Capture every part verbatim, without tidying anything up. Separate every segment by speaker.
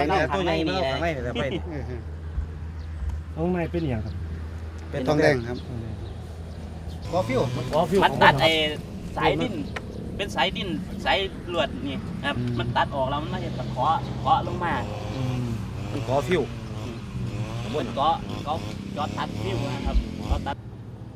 Speaker 1: ข็ง
Speaker 2: เอา
Speaker 1: แรง
Speaker 2: ข้างในนี่เลย
Speaker 1: ข้างในแต่ไป
Speaker 3: ข้างในเป็นอย่างครับ
Speaker 1: เป็นทองแดงครับบอฟิว
Speaker 3: อ๋อฟิว
Speaker 2: มันตัดไอ้สายดินเป็นสายดินสายลวดนี่ครับมันตัดออกแล้วมันไม่ใช่ตะเคาะเคาะลงมา
Speaker 1: มันขอฟิว
Speaker 2: บนเกาะเกาะจอดตัดฟิวนะครับเกาะตัด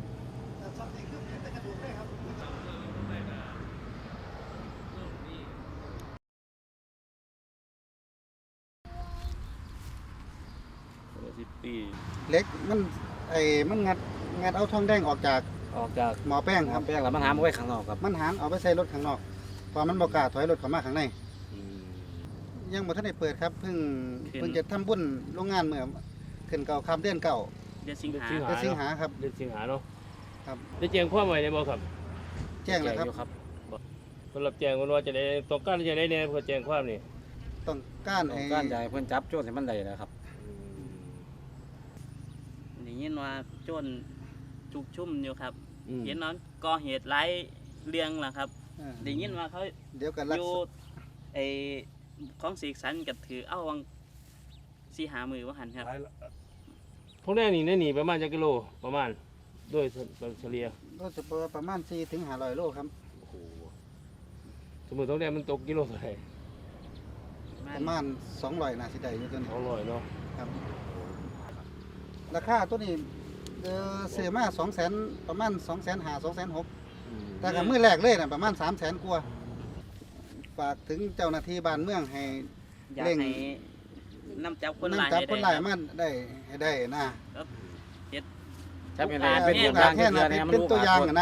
Speaker 2: สิบปี
Speaker 1: เล็กมันไอ้มันงัดงัดเอาทองแดงออกจาก
Speaker 3: ออกจาก
Speaker 1: หมอแป้งครับ
Speaker 3: แป้งแล้วมันหามเอาไว้ข้างนอกครับ
Speaker 1: มันหันเอาไปใส่รถข้างนอกพอมันบอกกล้าถอยรถเข้ามาข้างในยังบ่ทันได้เปิดครับเพิ่งเพิ่งจะทำบุญโรงงานเมื่อขึ้นเก่าคำเดือนเก่า
Speaker 2: เดือนสิงหา
Speaker 1: เดือนสิงหาครับ
Speaker 3: เดือนสิงหาเนาะ
Speaker 1: ครับ
Speaker 3: ได้แจ้งความไว้ในบ่ครับ
Speaker 1: แจ้งแล้วครับ
Speaker 3: อยู่ครับเพิ่นรับแจ้งว่าจะได้ต้องการจะได้แน่เพิ่นแจ้งความนี่
Speaker 1: ต้องการ
Speaker 4: ต้อ
Speaker 1: ให้
Speaker 4: งการใหญ่เพิ่นจับโจรให้มันได้นะครับ
Speaker 2: ได้ยินว่าโจรจุกชุ่มอยู่ครับ
Speaker 3: อืม
Speaker 2: เห็นน้องก่อเหตุร้ายเรื่องล่ะครับ
Speaker 1: เออ
Speaker 2: ได้ยินว่าเขา
Speaker 1: เดี๋ยวกันรั
Speaker 2: อก ยู่ไอ้ของสีสันกับถือเอาวังสีหามือว่าหันครับ
Speaker 3: พวกนี้นี่ได้หนีประมาณจักกิโลประมาณด้วยเฉลี่ย
Speaker 1: ก็จะประมาณสี่ถึงห้าร้อยโลครับ
Speaker 3: สมมุติตรงนี้มันตกกิโลเท่าไหร่
Speaker 1: ประมาณสองร้อยน่าสิได้อยู่ตัวนี้
Speaker 3: สองร้อยเนาะ
Speaker 1: ครับราคาตัวนี้เออซื้อมาสองแสนประมาณสองแสนห้าสองแสนหกแต่กับมือแรกเลยนะประมาณสามแสนกว่าฝากถึงเจ้าหน้าที่บ้านเมืองให้
Speaker 2: อยาก
Speaker 1: เร่ง
Speaker 2: ให้นำจับคน
Speaker 1: นั่ง
Speaker 2: ร้าย
Speaker 1: จับ
Speaker 2: ให้
Speaker 1: คน
Speaker 2: ได้
Speaker 1: ร้าย
Speaker 2: ครับ
Speaker 1: มาได้ให้ได้นะ
Speaker 4: จับให้
Speaker 2: อ่า
Speaker 4: ได้เป็น
Speaker 2: แม่
Speaker 4: ตัวอย่าง
Speaker 1: แค่
Speaker 4: ที่
Speaker 1: นั้
Speaker 4: เดือน
Speaker 1: น
Speaker 4: ให้มัน
Speaker 1: เป็น
Speaker 4: รู้
Speaker 1: ตัว
Speaker 4: อา
Speaker 1: อย่าง
Speaker 4: กฎ
Speaker 1: นะ